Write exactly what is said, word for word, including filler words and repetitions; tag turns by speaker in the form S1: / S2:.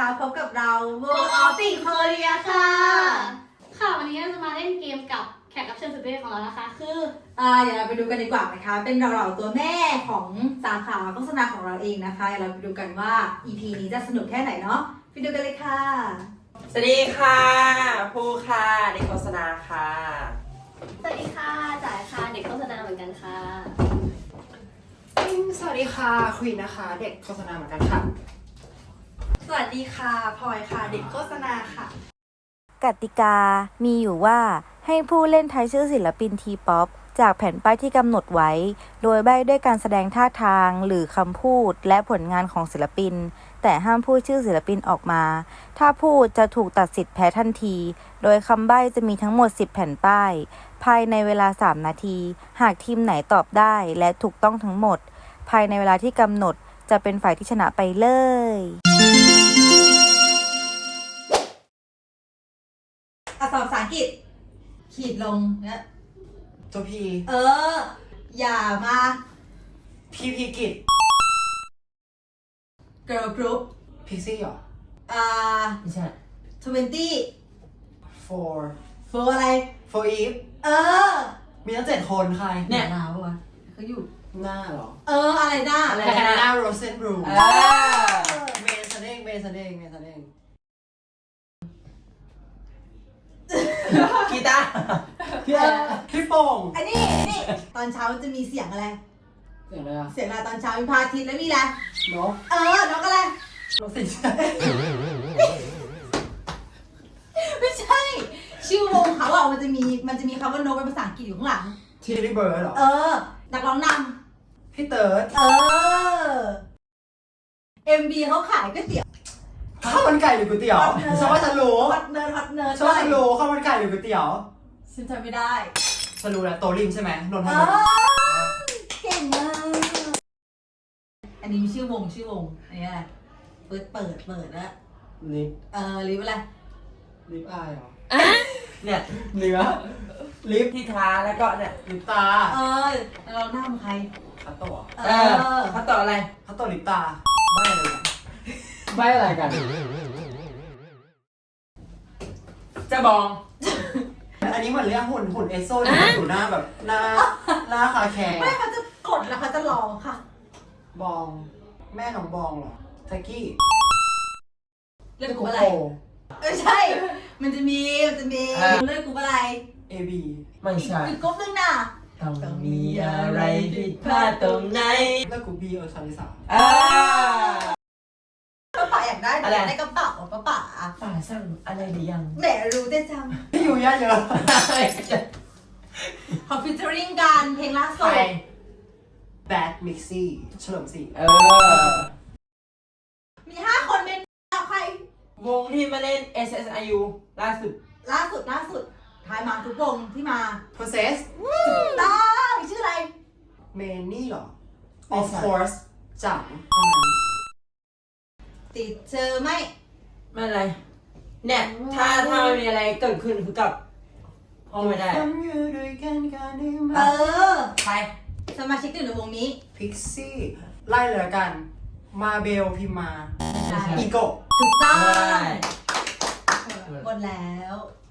S1: นะคะพบกับเรา World of the Korea ค่ะ
S2: ค่ะวันนี้เราจะมาเล่นเกมกับแขกรับเชิญสุดพิเศษของเรานะคะคือ
S1: อ่าเดี๋ยวเราไปดูกันดีกว่านะคะเป็นเราเราตัวแม่ของสาขาโฆษณาของเราเองนะคะเดี๋ยวเราไปดูกันว่า อี พี นี้จะสนุกแค่ไหนเนาะไปดูกันเลยค่ะ
S3: สวัสดีค่ะภูค่ะเด็กโฆษณาค่ะ
S2: สวัสดีค่ะจ่ายค่ะเด็กโฆษณาเหมือนกันค่ะ
S4: สวัสดีค่ะควีนนะคะเด็กโฆษณาเหมือนกันค่ะ
S3: สวัสดีค่ะพลอยค่ะเด็กโฆษณาค่ะ
S5: กติกามีอยู่ว่าให้ผู้เล่นทายชื่อศิลปินทีป๊อปจากแผ่นป้ายที่กำหนดไว้ โดยใบ้ด้วยการแสดงท่าทางหรือคำพูดและผลงานของศิลปิน แต่ห้ามพูดชื่อศิลปินออกมา ถ้าพูดจะถูกตัดสิทธิ์แพ้ทันที โดยคำใบ้จะมีทั้งหมดสิบแผ่นป้าย ภายในเวลาสามนาที หากทีมไหนตอบได้และถูกต้องทั้งหมด ภายในเวลาที่กำหนดจะเป็นฝ่ายที่ชนะไปเลย
S1: อักษรภาษาอังกฤษขีดลงเนี่ย
S4: ตัวพี
S1: เอออย่ามา
S4: พีพีกิจ
S1: girl group
S4: พิกซี่เหรอ
S1: อ่า
S3: ไม่ใช่
S1: twenty
S4: four
S1: for อะไร
S4: four eve
S1: เออ
S4: มีตั้งเจ็ดคนใคร
S1: เนี่ยหนาวปะวะเขาอยู่
S4: หน้าเหรอ
S1: เอออะไรนะ
S3: อะไร
S4: แคนนาโรเซนบรู
S3: เออ
S4: เมย์ซันเองเมย์ซันเองเมย์ซันเอง
S3: กีตาร์
S4: พี่โป่ง
S1: อันนี้อันนี้ตอนเช้าจะมีเสียงอะไร
S4: เสียงอะไรอะ
S1: เสียงอะไรตอนเช้ามีพระอาทิตย์แล้วมีอะไร
S4: นก
S1: เออนกอะไร
S4: นกสิใช่
S1: ไม่ใช่ ชื่อวงเขาอ่ะมันจะมีมันจะมีคำว่านกเป็นภาษาอังกฤษอยู่ข้างหลัง
S4: ทีรีเบิร์ดเหรอ
S1: เออ นักร้องน
S4: พี่เติร์ด
S1: ำเออ เอ็ม บี เขาขายก๋วยเตี๋ยว
S4: ข้าวมันไก่หรือก๋วยเตี๋ยว
S1: ฮอตเนิร์ด
S4: ฉันว่าฉันรู้
S1: ฮอตเนิร์ดฮอตเนิร์ด
S4: ฉันว่าฉันรู้ข้าวมันไก่หรือก๋วยเตี๋ยว
S1: ฉันจำไม่ได้
S4: ฉันรู้แล้วโตริมใช่ไหมนนท
S1: เอ
S4: บุรี
S1: อเก่งมาก อันนี้มีชื่อวงชื่อวงอันนี้อะไรเปิดเปิดเปิดแล้ว
S4: ลิป
S1: เออลิฟอะไร
S4: ลิปอายเหรอ
S3: เนี่ย
S4: เนื้อลิป
S3: ที่ท้าแล้วก็เนี่ย
S4: ลิปตา
S1: เออแล้วเราหน้ามันใคร
S4: คัตโตะ
S1: เอ
S3: เออ
S1: อ
S3: เขาต่ออะไร
S4: คัตโตะลิปตาใบ้อะไรกันใบ้อะไรกัน
S3: จะบอง
S4: อันนี้เหมือนเรื่องหุ่นหุ่นเอสโซที่อยู่หน้าแบบหน้าหน้าคาแคร์
S1: ไม่เขาจะกดแล้วเขาจะรอค่ะ
S4: บอง แม่ของบองเหรอแท็กกี้
S1: เลือก
S4: โก
S1: กูอะไร
S4: โก้
S1: เออใช่ มันจะมีมันจะมีเลือกกูอะไร
S4: เอบี
S3: ไม่ใช่
S1: อีกกรุ๊ปนึงน่ะ
S3: ต้องมีอะไรผิดพลาดตรงไหน
S4: แล้วกูบีเออชาลิสา
S3: อ่า
S1: ป้าป๋าอยากได้
S3: อะไร
S1: อยากได้กระเป๋าป้าป๋า
S3: ป่าสั่งอะไรหรือยัง
S1: แหมรู้ได้จัง
S4: พี่อยู่เยอะเยอะ
S1: ขอฟิชเจอริงกันเพลงล่า
S3: ใค
S1: สุ
S3: ร
S1: ด
S4: แบดมิกซี่เฉลิมศรี
S3: เออ
S1: มีห้าคนเป็นใคร
S3: วงที่มาเล่น เอส เอส ไอ ยู ล่าสุด
S1: ล่าสุดล่าสุดทายมาทุกวงที่มา
S4: โปรเซส
S1: ต้องชื่ออะไร
S4: เมนนี่เหรอ
S3: ไม่
S4: of
S3: ใช่
S4: course จังเท่านั้น
S1: ติดเจอไหม
S3: ไม่อะไร เนี่ย ถ้าถ้ามันมีอะไรเกิดขึ้นคือกับห้องไม่ได้
S4: ทำอยู่ด้วยกันกันได้ไหม
S1: เออ
S3: ใคร
S1: สมาชิกอยู่ในวงนี้
S4: พิกซี่ไล่เลยละกัน มาเบลพิมมา
S1: ไม่ใช่
S4: อีโกะ
S1: ถูกต้อง
S3: ใช่
S1: หมดแล้ว